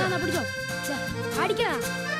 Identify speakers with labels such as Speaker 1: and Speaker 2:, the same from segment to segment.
Speaker 1: പിടിച്ചോ അടിക്കടാ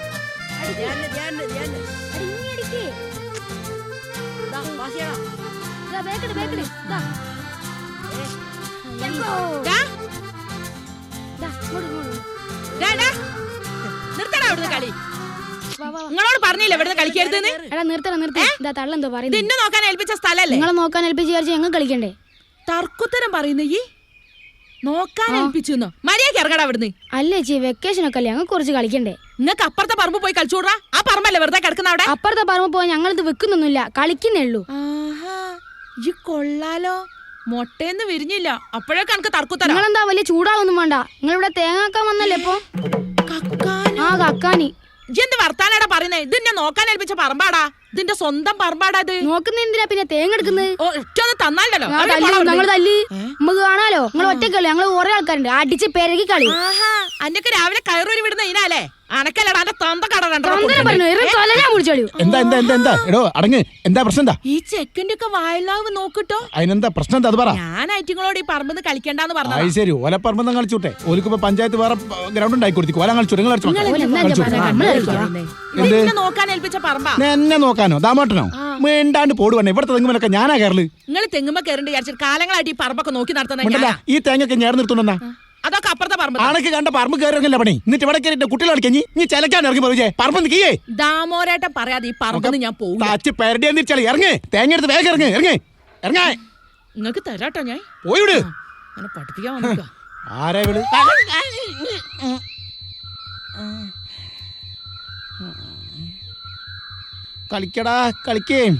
Speaker 2: കളി നിങ്ങളോട് പറഞ്ഞില്ല ഇവിടെ കളിക്കരുത്.
Speaker 1: തള്ളെന്തോ പറയുന്നത്?
Speaker 2: നിന്നെ നോക്കാൻ ഏൽപ്പിച്ച സ്ഥലല്ലേ?
Speaker 1: നിങ്ങളെ നോക്കാൻ ഏൽപ്പിച്ച് വിചാരിച്ച് ഞങ്ങൾ കളിക്കണ്ടേ?
Speaker 2: തർക്കുത്തരം പറയുന്ന ഈ നോക്കാൻ ഏൽപ്പിച്ചു മര്യാദക്ക് ഇറങ്ങടാ അവിടുന്ന്.
Speaker 1: അല്ലേ ചേച്ചി വെക്കേഷൻ ഒക്കെ അല്ലേ, ഞങ്ങൾക്ക് കുറച്ച് കളിക്കണ്ടേ?
Speaker 2: നിങ്ങൾക്ക് അപ്പുറത്തെ പറമ്പ് പോയി കളിച്ചോടാ. ആ പറമ്പല്ലേ വെറുതെ കിടക്കുന്ന അവിടെ?
Speaker 1: അപ്പുറത്തെ പറമ്പ് പോയി ഞങ്ങളിത് വെക്കുന്നൊന്നുമില്ല, കളിക്കുന്നേ ഉള്ളൂ.
Speaker 2: ഈ കൊള്ളാലോ, മൊട്ടേന്ന് വിരിഞ്ഞില്ല അപ്പോഴേ കണക്ക് തർക്കുത്തരം.
Speaker 1: നിങ്ങളെന്താ വലിയ ചൂടാവൊന്നും വേണ്ട, നിങ്ങളിവിടെ തേങ്ങാക്കാൻ വന്നല്ലേ ഇപ്പൊ? ആ കക്കാനി
Speaker 2: എന്ത് വർത്താനാടാ പറയുന്നേ? ഇതിന്നെ നോക്കാൻ ഏൽപ്പിച്ച പറമ്പാടാ, ഇതിന്റെ സ്വന്തം പറമ്പാടാ. ഇത്
Speaker 1: നോക്കുന്ന എന്തിനാ പിന്നെ തേങ്ങ എടുക്കുന്നത്?
Speaker 2: തന്നാലോ
Speaker 1: ഞങ്ങൾ തല്ലി നമുക്ക് കാണാലോ. നിങ്ങൾ ഒറ്റക്കല്ലോ, ഞങ്ങൾ കുറെ ആൾക്കാരുണ്ട്, അടിച്ച് പെരകി കളി.
Speaker 2: അന്നൊക്കെ രാവിലെ കയറൂരി വിടുന്ന ഇതിനാലേ അനക്കല്ലടാ എന്റെ തൊന്ത കട
Speaker 3: എന്താ പ്രശ്നം?
Speaker 2: ഈ ചെക്കന്റെ ഒക്കെ വായലാവ് നോക്കിട്ടോ.
Speaker 3: അതിനെന്താ പ്രശ്നം? അത് പറ.
Speaker 2: ഞാൻ ഐറ്റിങ്ങളോട് ഈ പറമ്പെന്ന് കളിക്കണ്ടെന്ന് പറഞ്ഞു.
Speaker 3: ശരി, ഓലപ്പറമ്പെന്ന് കളിച്ചോട്ടെ. ഓലിക്കിപ്പോ പഞ്ചായത്ത് വേറെ ഗ്രൗണ്ട് ഉണ്ടാക്കി കൊടുത്തു. ഓല കളിച്ചു.
Speaker 2: നോക്കാൻ ഏൽപ്പിച്ച പറമ്പാ.
Speaker 3: എന്നെ നോക്കാനോ ദാമോട്ടനോ? വേണ്ടാണ്ട് പോടുവണ്ണേ. ഇവിടുത്തെ തെങ്ങുമലൊക്കെ ഞാനാ കയറല്.
Speaker 2: നിങ്ങൾ തെങ്ങുമ്പോ കയറേണ്ടി വിചാരിച്ചിട്ട് കാലങ്ങളായിട്ട് ഈ പറമ്പൊക്കെ നോക്കി നടത്തുന്ന
Speaker 3: ഈ തേങ്ങൊക്കെ ഞാൻ നിർത്തുന്ന
Speaker 2: അതൊക്കെ അപ്പുറത്തെ പറമ്പ്.
Speaker 3: ആണൊക്കെ കണ്ട പറമ്പ് കയറില്ല പണി. എന്നിട്ട് ഇവിടെ കയറിട്ട് കുട്ടികളെ കളിക്കഞ്ഞി നീ ചിലക്കാൻ ഇറങ്ങി പോയി പറമ്പ് നിൽക്കേ.
Speaker 2: ദാമോരേട്ടൻ പറയാതെ ഈ പറമ്പെന്ന് ഞാൻ പോകും.
Speaker 3: പെരടിയാ ഇറങ്ങ്. തേങ്ങ എടുത്ത് വേഗം ഇറങ്ങ്. ഇറങ്ങേ
Speaker 2: നിങ്ങക്ക് തരാട്ടോ. ഞാൻ
Speaker 3: പോയിട്
Speaker 2: പഠിപ്പിക്കാൻ വന്നിക്ക.
Speaker 3: ആരാ വിളി? കളിക്കടാ കളിക്കേ.